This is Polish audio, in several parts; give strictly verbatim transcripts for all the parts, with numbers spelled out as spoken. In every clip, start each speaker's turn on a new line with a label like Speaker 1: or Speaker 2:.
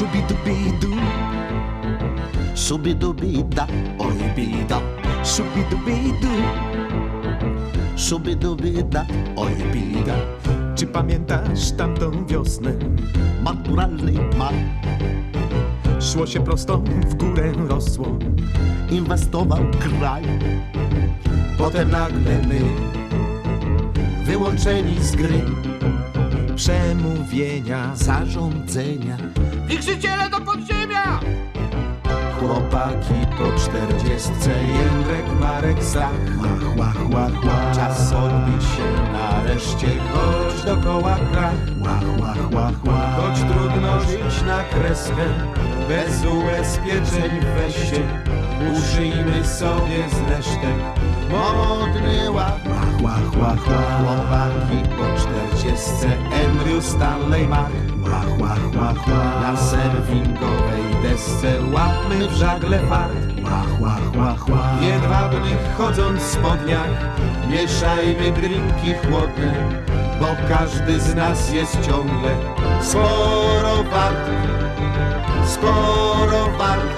Speaker 1: Shubidubidu,
Speaker 2: Subidubida, oj bida.
Speaker 1: shubidubidu.
Speaker 2: Subidubida, oj bida.
Speaker 1: Czy pamiętasz tamtą wiosnę?
Speaker 2: Maturalny mar
Speaker 1: Szło się prosto, w górę rosło.
Speaker 2: inwestował kraj.
Speaker 1: Potem nagle my,
Speaker 2: Wyłączeni z gry
Speaker 1: przemówienia,
Speaker 2: zarządzenia.
Speaker 3: Wichrzyciele do podziemia!
Speaker 1: chłopaki po czterdziestce, Jędrek, Marek, Stach.
Speaker 2: Łach, łach, łach, łach.
Speaker 1: Czas odbić się nareszcie, choć dokoła krach.
Speaker 2: Łach, łach, łach, łach.
Speaker 1: Choć trudno żyć na kreskę, bez ubezpieczeń weź się, uszyjmy sobie z resztek modny ład.
Speaker 2: Łach, łach, łach, łach.
Speaker 1: Chłopaki po czterdziestce, Andrew, Stanley, Mark.
Speaker 2: Łach, łach, łach, łach.
Speaker 1: Na serwingowej desce łapmy w żagle fart.
Speaker 2: Łach, łach, łach, łach.
Speaker 1: W jedwabnych chodząc w spodniach, mieszajmy drinki chłodne, bo każdy z nas jest ciągle sporo wart, sporo wart,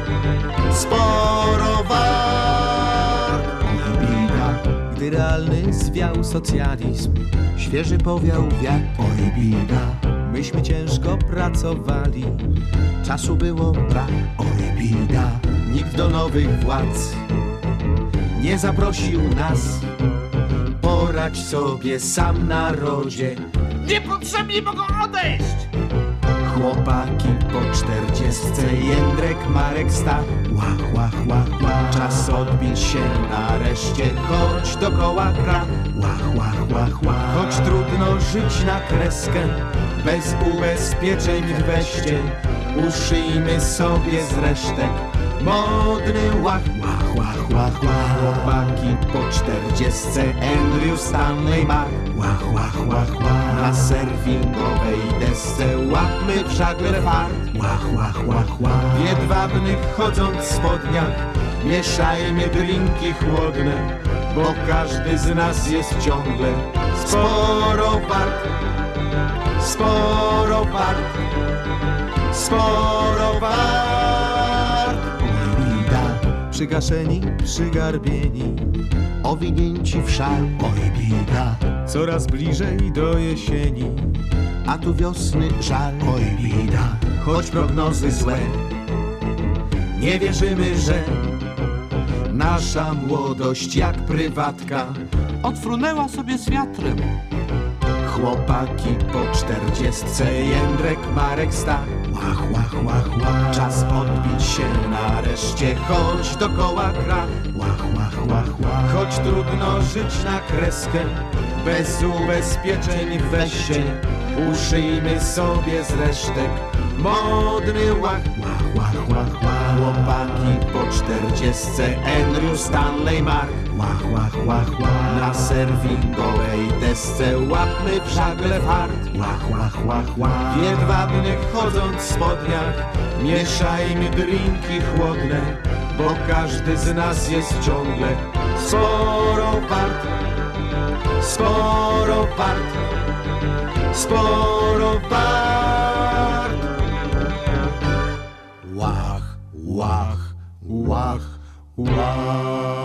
Speaker 1: sporo wart.
Speaker 2: Oj bida,
Speaker 1: Gdy realny zwiał socjalizm,
Speaker 2: świeży powiał wiatr. Oj bida,
Speaker 1: myśmy ciężko pracowali,
Speaker 2: czasu było brak. Oj bida,
Speaker 1: nikt do nowych władz nie zaprosił nas. Poradź sobie sam, narodzie.
Speaker 3: Niepotrzebni mogą odejść!
Speaker 1: Chłopaki po czterdziestce, Jędrek, Marek, Stach.
Speaker 2: łach, łach, łach, łach.
Speaker 1: Czas odbić się nareszcie, choć dokoła krach.
Speaker 2: Łach, łach, łach, łach.
Speaker 1: Choć trudno żyć na kreskę, bez ubezpieczeń w weście, uszyjmy sobie z resztek modny łach.
Speaker 2: Łach, łach, łach, łach.
Speaker 1: Chłopaki po czterdziestce, Andrew, Stanley, Mark.
Speaker 2: Łach, łach, łach, łach.
Speaker 1: Na serwingowej desce łapmy w żagle fart.
Speaker 2: Łach, łach, łach, łach.
Speaker 1: W jedwabnych chodząc w spodniach, mieszajmy drinki chłodne, bo każdy z nas jest ciągle sporo wart, sporo wart, sporo wart.
Speaker 2: Oj bida,
Speaker 1: Przygaszeni, przygarbieni,
Speaker 2: owinięci w szal. Oj bida,
Speaker 1: coraz bliżej do jesieni,
Speaker 2: a tu wiosny żal. Oj bida,
Speaker 1: choć prognozy złe, nie wierzymy, że nasza młodość jak prywatka
Speaker 3: Odfrunęła sobie z wiatrem.
Speaker 1: chłopaki po czterdziestce, Jędrek, Marek, Stach.
Speaker 2: łach, łach, łach, łach.
Speaker 1: Czas odbić się nareszcie, choć dokoła krach.
Speaker 2: Łach, łach, łach, łach.
Speaker 1: Choć trudno żyć na kreskę, bez ubezpieczeń weź się, uszyjmy sobie z resztek modny łach.
Speaker 2: Łach, łach, łach, łach.
Speaker 1: Chłopaki po czterdziestce, Andrew, Stanley, Mark.
Speaker 2: Łach, łach, łach, łach.
Speaker 1: Na serwingowej desce łapmy w żagle fart.
Speaker 2: Łach, łach, łach, łach.
Speaker 1: W jedwabnych chodząc w spodniach, mieszajmy drinki chłodne, bo każdy z nas jest ciągle sporo wart, sporo wart, sporo wart.
Speaker 2: Łach, łach, łach, łach.